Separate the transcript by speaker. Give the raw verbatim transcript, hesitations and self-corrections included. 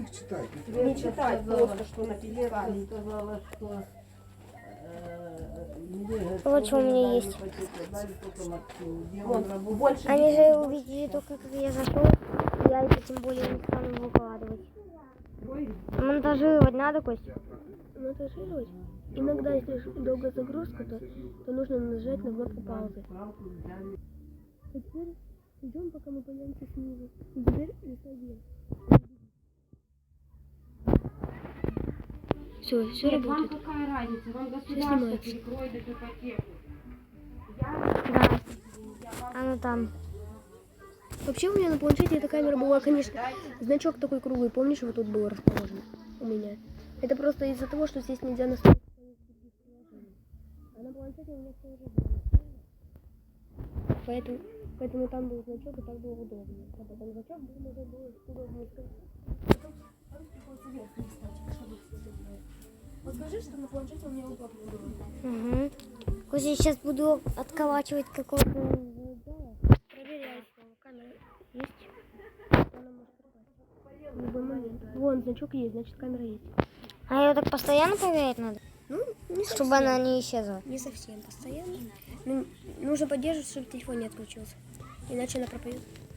Speaker 1: их читать.
Speaker 2: Не читать просто, что написали.
Speaker 3: Сказала, что
Speaker 4: Вот что у меня есть.
Speaker 2: Вон, больше
Speaker 4: Они же увидели только, как я зашел. Я это тем более не стану выкладывать. Монтажировать надо, Костя?
Speaker 5: Монтажировать? Иногда, если долгая загрузка, то, то нужно нажать на кнопку паузы. А теперь идем, пока мы появимся снизу. И теперь листай вверх. Все, все
Speaker 2: Нет, вам
Speaker 5: работает.
Speaker 2: какая разница? Вам государство
Speaker 5: снимается.
Speaker 2: перекроет эту ипотеку.
Speaker 4: Да. Она там.
Speaker 5: Вообще у меня на планшете эта камера была, конечно, значок такой круглый, помнишь, вот тут был расположен у меня. Это просто из-за того, что здесь нельзя настроить. А на планшете у меня все уже было. Поэтому, поэтому там был значок, и так было удобнее. А потом значок был уже было удобнее. Вот скажи, что на планшете у меня удобнее было.
Speaker 4: Угу. Костя, сейчас буду отколачивать какого-то.
Speaker 5: Проверяй, камера есть. Она может попасть. В любой момент. Вон, значок есть, значит камера есть.
Speaker 4: А ее так постоянно проверять надо?
Speaker 5: Ну, не совсем.
Speaker 4: Чтобы она не исчезла.
Speaker 5: Не совсем постоянно. Ну, нужно поддерживать, чтобы телефон не отключился. Иначе она пропадет.